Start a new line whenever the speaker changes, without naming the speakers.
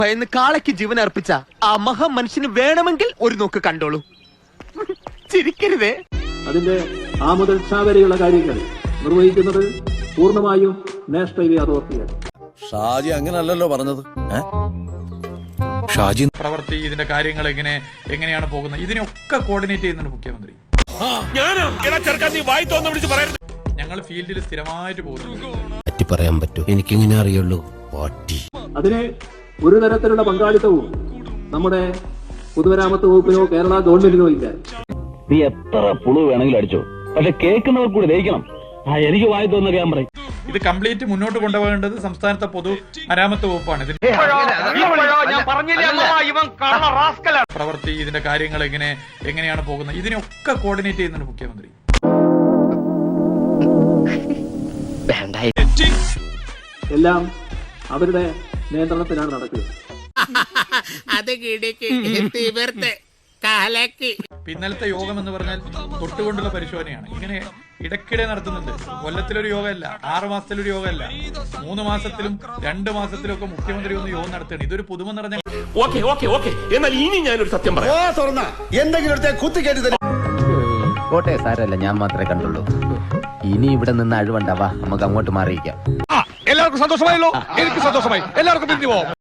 ഭയന്ന് കാളയ്ക്ക് ജീവൻ അർപ്പിച്ച ആ മഹാമനുഷ്യന് വേണമെങ്കിൽ ഒരു നോക്ക് കണ്ടോളൂ. ചിരിക്കരുതേ.
അതിന്റെ ആ മുതൽ വരെയുള്ള കാര്യങ്ങൾ നിർവഹിക്കുന്നത് പൂർണ്ണമായും നാഷണൽ ഹൈവേ അതോറിറ്റിയാണ്.
ഷാജി അങ്ങനല്ലല്ലോ പറഞ്ഞത്. ഷാജി
പ്രവൃത്തി ഇതിന്റെ കാര്യങ്ങൾ എങ്ങനെയാണ് പോകുന്നത് ഇതിനൊക്കെ കോർഡിനേറ്റ് ചെയ്യുന്നുണ്ട് മുഖ്യമന്ത്രി. ഞങ്ങൾ ഫീൽഡിൽ സ്ഥിരമായിട്ട് പോകുന്നു.
പറയാൻ പറ്റൂ, എനിക്കിങ്ങനെ അറിയുള്ളൂ.
അതിന് ഒരു തരത്തിലുള്ള പങ്കാളിത്തവും നമ്മുടെ പൊതുമരാമത്ത് വകുപ്പിനോ കേരള ഗവൺമെന്റിനോ ഇല്ല.
നീ എത്ര പുളു വേണമെങ്കിലും അടിച്ചോ, പക്ഷെ കേൾക്കുന്നവർ കൂടി ദഹിക്കണം. എനിക്ക് വായി തോന്നുന്ന ഞാൻ പറയും.
ഇത് കംപ്ലീറ്റ് മുന്നോട്ട് കൊണ്ടുപോകേണ്ടത് സംസ്ഥാനത്തെ പൊതു മരാമത്ത് വകുപ്പാണ്. പ്രവൃത്തി ഇതിന്റെ കാര്യങ്ങൾ എങ്ങനെയാണ് പോകുന്നത് ഇതിനൊക്കെ കോർഡിനേറ്റ് ചെയ്യുന്നുണ്ട് മുഖ്യമന്ത്രി.
എല്ലാം അവരുടെ നിയന്ത്രണത്തിലാണ് നടക്കുക.
ഇന്നലത്തെ യോഗം എന്ന് പറഞ്ഞാൽ തൊട്ടുകൊണ്ടുള്ള പരിശോധനയാണ്. ഇങ്ങനെ ഇടയ്ക്കിടെ നടത്തുന്നുണ്ട്. കൊല്ലത്തിലൊരു യോഗമല്ല, 6 മാസത്തിലൊരു യോഗമല്ല, 3 മാസത്തിലും 2 മാസത്തിലും ഒക്കെ മുഖ്യമന്ത്രി ഒന്ന് യോഗം നടത്തുകയാണ്. ഇതൊരു പുതുമ നിറഞ്ഞ.
എന്നാൽ ഇനി ഞാനൊരു സത്യം പറയാം.
കോട്ടെ സാരല്ല, ഞാൻ മാത്രമേ കണ്ടുള്ളൂ. ഇനി ഇവിടെ നിന്ന് അഴിവണ്ടാവാ, നമുക്ക് അങ്ങോട്ട് മാറിയിക്കാം.
എല്ലാവർക്കും സന്തോഷമായല്ലോ. എനിക്ക് സന്തോഷമായി. എല്ലാവർക്കും പിരിഞ്ഞു പോവാം.